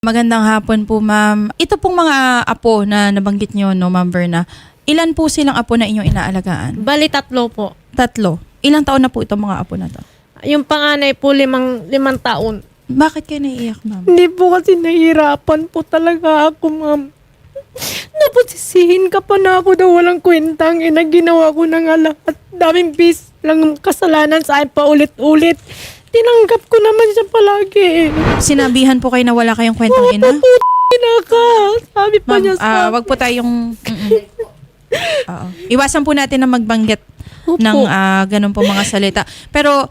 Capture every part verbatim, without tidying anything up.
Magandang hapon po, ma'am. Ito pong mga apo na nabanggit nyo, no, Ma'am Verna. Ilan po silang apo na inyong inaalagaan? Bali, tatlo po. Tatlo. Ilang taon na po itong mga apo na to? Yung panganay po, limang, limang taon. Bakit kayo naiiyak, ma'am? Hindi po kasi nahihirapan po talaga ako, ma'am. Napagsisihin ka pa na ako daw walang kwentang ina. Ginawa ko na nga lahat. Daming bis lang kasalanan sa akin pa ulit-ulit. Tinanggap ko naman siya palagi eh. Sinabihan po kayo na wala kayong kwentang ina? Ina ka. Sabi pa Ma'am, niya sa ah, wag po tayong... Mm-mm. Oo. Iwasan po natin na magbanggit Opo. ng ah, ganun po mga salita. Pero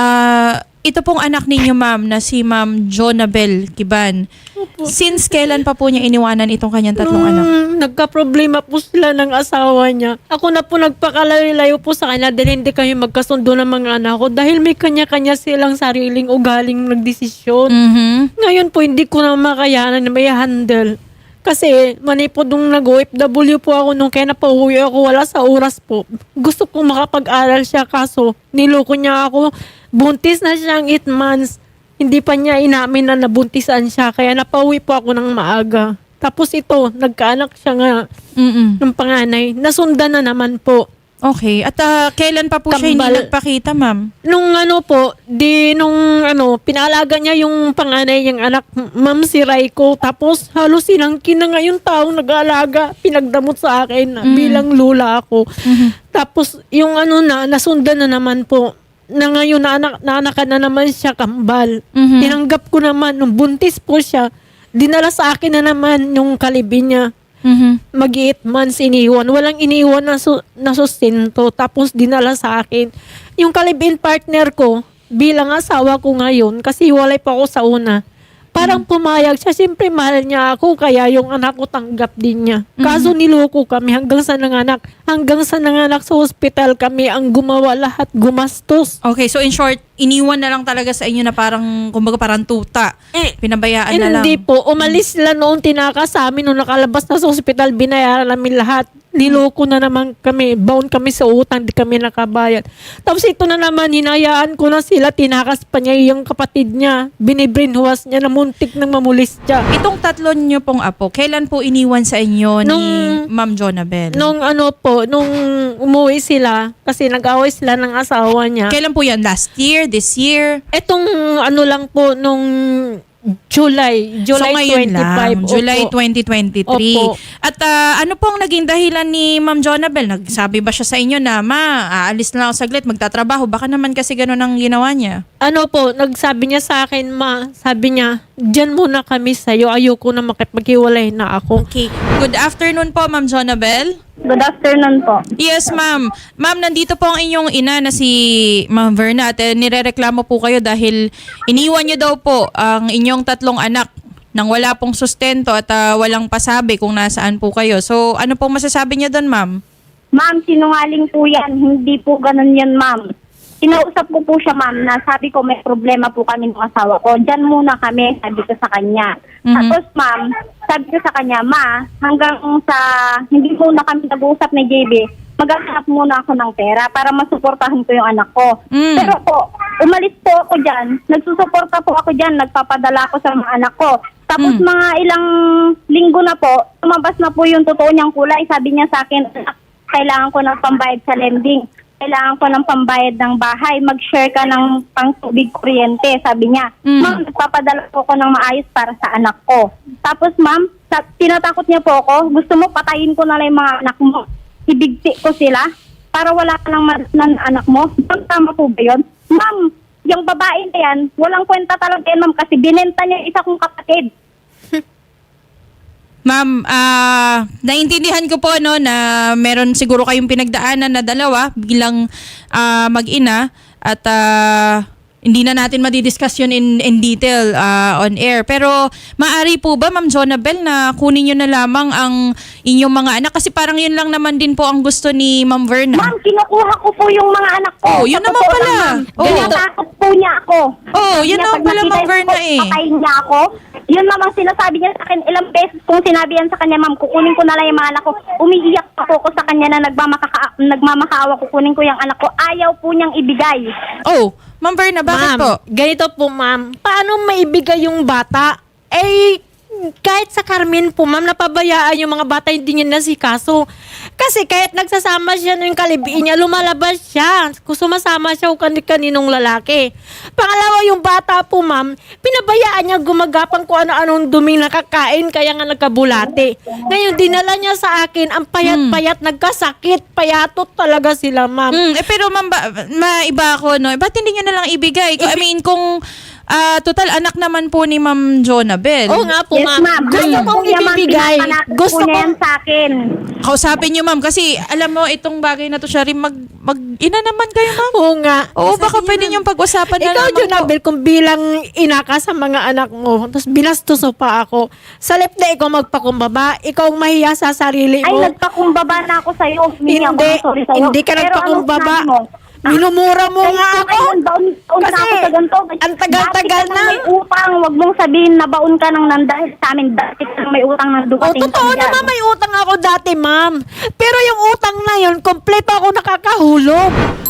ah, ito pong anak ninyo, ma'am, na si Ma'am Jonabel Kiban. Opo. Since kailan pa po niya iniwanan itong kanyang tatlong anak? Nung nagka-problema po sila ng asawa niya. Ako na po nagpakalayo-layo po sa kanya dahil hindi kami magkasundo ng mga anak ko dahil may kanya-kanya silang sariling ugaling nagdesisyon. Mhm. Ngayon po hindi ko na makayanan na may handle. Kasi mani po nung nag-O F W po ako nung kaya napauwi ako wala sa oras po. Gusto ko makapag-aral siya kaso niloko niya ako. Buntis na siyang eight months. Hindi pa niya inamin na nabuntisan siya kaya napauwi po ako ng maaga. Tapos ito, nagkaanak siya nga Mm-mm. ng panganay. Nasundan na naman po. Okay. At ah, kailan pa po siya hindi Kambal. nagpakita, ma'am? Nung ano po, di nung ano, pinalaga niya yung panganay niyang anak, ma'am si Raiko. Tapos halos sinangkin na nga yung taong nag-aalaga. Pinagdamot sa akin Mm. bilang lula ako. Mhm. Tapos yung ano na, nasundan na naman po. Na ngayon, naanak, naanakan na naman siya kambal. Mhm. Tinanggap ko naman, nung buntis po siya, dinala sa akin na naman yung kalibin niya. Mhm. Mag-eight months iniwan. Walang iniwan na, su- na sustento. Tapos dinala sa akin. Yung kalibin partner ko, bilang asawa ko ngayon, kasi walay pa ako sa una, parang pumayag siya. Siyempre mahal niya ako, kaya yung anak ko tanggap din niya. Kaso niloko kami hanggang sa nanganak. Hanggang sa nanganak sa hospital kami ang gumawa lahat, gumastos. Okay, so in short, iniwan na lang talaga sa inyo na parang, kumbaga parang tuta. Eh, Pinabayaan na lang. Hindi po. Umalis sila noon tinakas sa amin. Nung nakalabas na sa ospital, binayaran namin lahat. Niloko na naman kami. Bound kami sa utang. Di kami nakabayad. Tapos ito na naman, hinayaan ko na sila. Tinakas pa niya yung kapatid niya. Binibrinhuas niya na muntik nang mamulis siya. Itong tatlo niyo pong apo, kailan po iniwan sa inyo ni Nung- Ma'am Jonabel? Nung ano po, nung umuwi sila, kasi nag-away sila ng asawa niya. Kailan po yan? Last year? This year? Etong ano lang po, nung July. July so ngayon twenty-five. lang, July Opo. twenty twenty-three. Opo. At ah, ano pong naging dahilan ni Ma'am Jonabel? Nagsabi ba siya sa inyo na, ma, aalis na ako saglit, magtatrabaho? Baka naman kasi ganun ang ginawa niya. Ano po, nagsabi niya sa akin, ma, sabi niya, dyan muna kami sa'yo, ayoko na makipaghiwalay na ako. Okay. Good afternoon po, Ma'am Jonabel. Good afternoon po. Yes, ma'am. Ma'am, nandito po ang inyong ina na si Ma'am Verna at eh, nirereklamo po kayo dahil iniwan niyo daw po ang inyong tatlong anak nang wala pong sustento at ah, walang pasabi kung nasaan po kayo. So, ano pong masasabi niyo doon, ma'am? Ma'am, sinungaling po yan. Hindi po ganun yan, ma'am. Kinausap ko po siya, ma'am, na sabi ko may problema po kami ng asawa ko. Diyan muna kami, sabi ko sa kanya. Mhm. Tapos, ma'am, sabi ko sa kanya, ma, hanggang sa hindi muna kami nag-uusap ni J B, maghahanap muna ako ng pera para masuportahan ko yung anak ko. Mm. Pero po, umalis po ako dyan. Nagsusuporta po ako dyan. Nagpapadala ako sa mga anak ko. Tapos Mm. mga ilang linggo na po, tumabas na po yung totoo niyang kulay. Sabi niya sa akin, kailangan ko ng pambayad sa lending. Kailangan ko ng pambayad ng bahay. Mag-share ka ng pang-tubig kuryente, sabi niya. Mm. Ma'am, nagpapadala po ako ng maayos para sa anak ko. Tapos, ma'am, sa, tinatakot niya po ako, gusto mo patayin ko na lang yung mga anak mo. Ibigti ko sila para wala ka ng madasnan na anak mo. Ma'am, tama po ba yun? Ma'am, yung babae na yan, walang kwenta talaga yan, ma'am, kasi binenta niya yung isa kong kapatid. Ma'am, ah, naintindihan ko po no na meron siguro kayong pinagdaanan na dalawa bilang ah, mag-ina at ah, hindi na natin madidiscuss yun in, in detail ah, on air. Pero maaari po ba, Ma'am Jonabel, na kunin nyo na lamang ang inyong mga anak? Kasi parang yun lang naman din po ang gusto ni Ma'am Verna. Ma'am, kinukuha ko po yung mga anak ko. Oh, yun Sa naman totoo pala. lang, ma'am. Oh. Tinatakot po niya ako. Oh, Sabi yun niya, naman pag pala, nakita Ma'am ko, Verna eh. patayin niya ako. Yun naman sinasabi niya sa akin ilang beses kung sinabi yan sa kanya, ma'am, kukunin ko na lang yung mga anak ko. Umiiyak pa po ko sa kanya na nagmamakaka- nagmamakaawa, kukunin ko yung anak ko. Ayaw po niyang ibigay. Oh, Ma'am Verna, bakit Ma'am, po? ganito po, ma'am. Paano maibigay yung bata? Eh, kahit sa Carmen po, ma'am, napabayaan yung mga bata, hindi niya nasikaso. Kasi kahit nagsasama siya ng kalibiin niya, lumalabas siya. Kung sumasama siya o kaninong lalaki. Pangalawa, yung bata po, ma'am, pinabayaan niya gumagapang kung ano-anong duming nakakain, kaya nga nagkabulate. Ngayon, dinala niya sa akin, ang payat-payat, nagkasakit, payatot talaga sila, ma'am. Mm, eh, pero ma'am, ba, maiba ako, no? Ba't hindi niyo na lang ibigay? I mean, kung ah, total anak naman po ni Ma'am Jonabel. Oo nga po, Yes, ma'am. ma'am. Gusto Ayaw kong po niya, ma'am, ibibigay. pinapanatin Gusto po niya kong yan sa akin. Kausapin niyo, ma'am, kasi alam mo, itong bagay na to, siya rin mag, mag, ina naman kayo, ma'am. Oo nga. Oo, Kasi baka yun pwede ang- niyong pag-usapan na Ikaw, naman po. Jonabel, kung bilang ina ka sa mga anak mo, tapos binastos mo pa ako, sa left na ikaw magpakumbaba, ikaw ang mahiya sa sarili Ay, mo. nagpakumbaba na ako sa'yo. Humingi ako Hindi, ng sorry sa'yo. hindi ka Pero nagpakumbaba. anong sinabi mo? Minumura mo Kahit nga po ako. ngayon, baon, baon Kasi na ako sa ganito. ang tagal-tagal Dati ka na. nang may utang. Huwag mong sabihin na baon ka nang nandahil sa amin. Dati ka nang may utang nang O, dumating. totoo ka dyan. naman may utang ako dati, ma'am. Pero yung utang na yun, kompleto ako nakakahulog.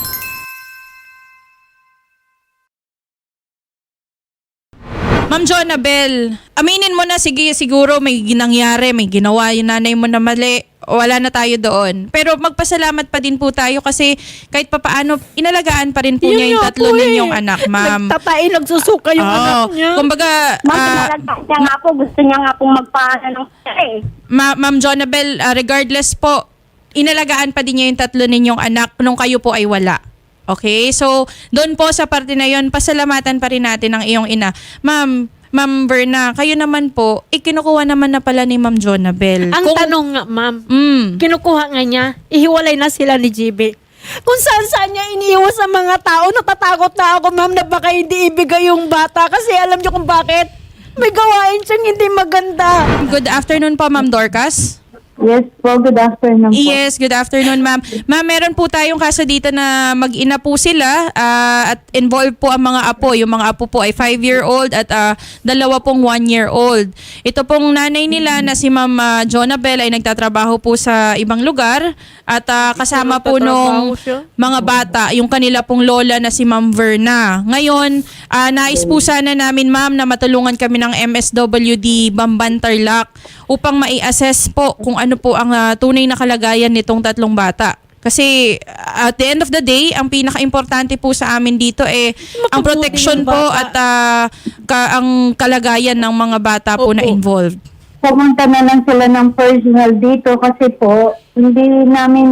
Ma'am Jonabel, aminin mo na, sige, siguro may ginangyari, may ginawa yung nanay mo na mali, wala na tayo doon. Pero magpasalamat pa din po tayo kasi kahit papaano, inalagaan pa rin po Yun niya yung nga tatlo po eh. ninyong anak, ma'am. Nagtatain, nagsusuka yung Oo. anak niya. Kumbaga, Ma'am, ah, pinalagay niya nga po. Gusto niya nga pong magpaano ng eh. Ma- Ma'am Jonabel, ah, regardless po, inalagaan pa din niya yung tatlo ninyong anak nung kayo po ay wala. Okay? So, doon po sa parte na yon, pasalamatan pa rin natin ang iyong ina. Ma'am, Ma'am Berna, kayo naman po, ikinukuha naman na pala ni Ma'am Jonabel. Ang Kung- tanong nga, ma'am, Mm. kinukuha nga niya, ihiwalay na sila ni G B. Kung saan saan niya iniiwas sa mga tao, natatakot na ako, ma'am, na baka hindi ibigay yung bata kasi alam niyo kung bakit. May gawain siyang hindi maganda. Good afternoon po, Ma'am Dorcas. Yes po, good afternoon po. Yes, good afternoon, ma'am. Ma'am, meron po tayong kaso dito na mag-ina po sila ah, at involved po ang mga apo. Yung mga apo po ay five-year-old at ah, dalawa pong one-year-old. Ito pong nanay nila na si Ma'am ah, Jonabel ay nagtatrabaho po sa ibang lugar at ah, kasama po nung Nagtatrabaho siya? mga bata, yung kanila pong lola na si Ma'am Verna. Ngayon, ah, nais po sana namin, ma'am, na matulungan kami ng M S W D Bamban Tarlac upang mai-assess po kung ano po ang ah, tunay na kalagayan nitong tatlong bata. Kasi uh, at the end of the day, ang pinaka-importante po sa amin dito eh ang Makabuti protection ng po bata. at ah, ka- ang kalagayan ng mga bata po na Opo. involved. Pumunta na lang sila ng personal dito kasi po, hindi namin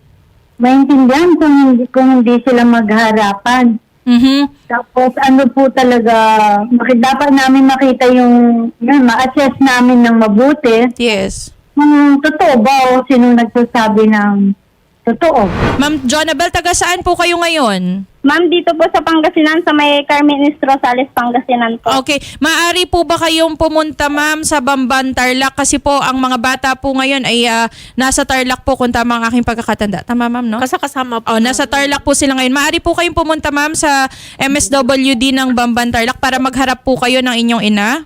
maintindihan kung hindi, kung hindi sila magharapan. Mhm. Tapos ano po talaga, maki- dapat namin makita yung, yun, ma-assess namin ng mabuti. Yes. Kung totoo ba o sino nagsasabi ng totoo. Ma'am Jonabel, taga saan po kayo ngayon? Ma'am, dito po sa Pangasinan, sa may Carmen Rosales, Pangasinan po. Okay. Maaari po ba kayong pumunta, ma'am, sa Bamban, Tarlac? Kasi po, ang mga bata po ngayon ay ah, nasa Tarlac po kung tama ang aking pagkakatanda. Tama, ma'am, no? Kasakasama po. Oh, nasa Tarlac po sila ngayon. Maaari po kayong pumunta, ma'am, sa M S W D ng Bamban, Tarlac para magharap po kayo ng inyong ina?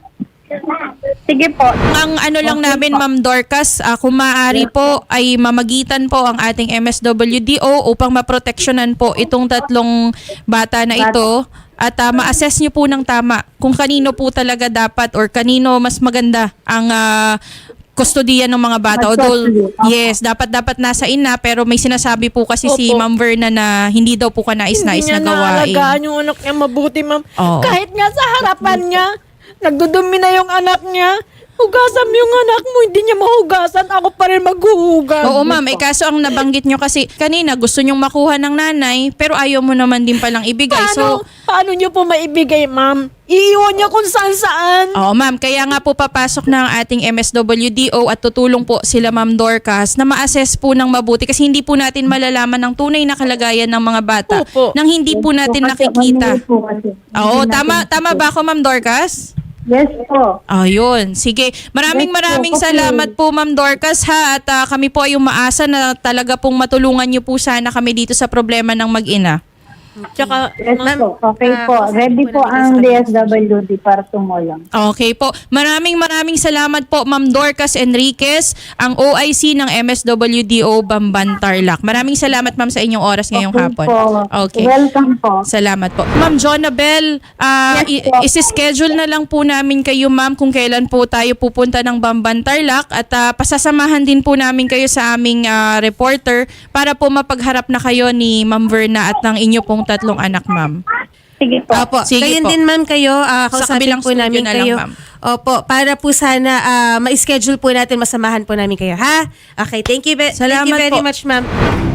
Sige po. Ang ano lang namin, Ma'am Dorcas, ah, kung maaari po ay mamagitan po ang ating M S W D O upang maproteksyonan po itong tatlong bata na ito at ah, ma-assess nyo po ng tama kung kanino po talaga dapat or kanino mas maganda ang ah, kustodiya ng mga bata. Although, yes, dapat dapat nasa ina pero may sinasabi po kasi si Opo. Ma'am Verna na hindi daw po kanais-nais Hindi na niya gawain. naalagaan yung anak niya mabuti, ma'am. Oo. Kahit nga sa harapan niya, nagdudumi na yung anak niya. Hugasan mo yung anak mo, hindi niya mahugasan. Ako pa rin maghuhugas. Oo, ma'am. Eh, kaso ang nabanggit nyo kasi kanina gusto nyong makuha ng nanay pero ayaw mo naman din palang ibigay. Paano, So, paano niyo po maibigay, ma'am? Iiwan niya kung saan saan. oo, ma'am. Kaya nga po papasok ng ating M S W D O at tutulong po sila, Ma'am Dorcas, na ma-assess po ng mabuti kasi hindi po natin malalaman ang tunay na kalagayan ng mga bata Opo. nang hindi po natin Kasi nakikita. mali po kasi. Oo, Hindi tama natin- tama ba ako, Ma'am Dorcas? Yes po. Oh, yun. Sige. Maraming Yes po, maraming okay. salamat po, Ma'am Dorcas, ha. At ah, kami po ay umaasa na talaga pong matulungan niyo po sana kami dito sa problema ng mag-ina. Tsaka, Yes Ma'am, po, okay ah, po. kausapin Ready po po namin ang sa D kanila. S W D para tumulong. Okay po. Maraming maraming salamat po, Ma'am Dorcas Enriquez, ang O I C ng M S W D O Bamban Tarlac. Maraming salamat, Ma'am, sa inyong oras ngayong Okay hapon. po. Okay. Welcome po. Salamat po. Ma'am Jonabel, ah, Yes i- po. isi-schedule na lang po namin kayo, ma'am, kung kailan po tayo pupunta ng Bamban Tarlac at ah, pasasamahan din po namin kayo sa aming ah, reporter para po mapagharap na kayo ni Ma'am Verna at ng inyo pong tatlong anak, ma'am. Sige po. Opo. Sige Gayon po. din ma'am kayo, ah, Sa kausapin kabilang po studio namin na lang, kayo. ma'am. Opo, para po sana ah, ma-schedule po natin, masamahan po namin kayo, ha? Okay, thank you, ve- thank Salamat you very po. much, ma'am.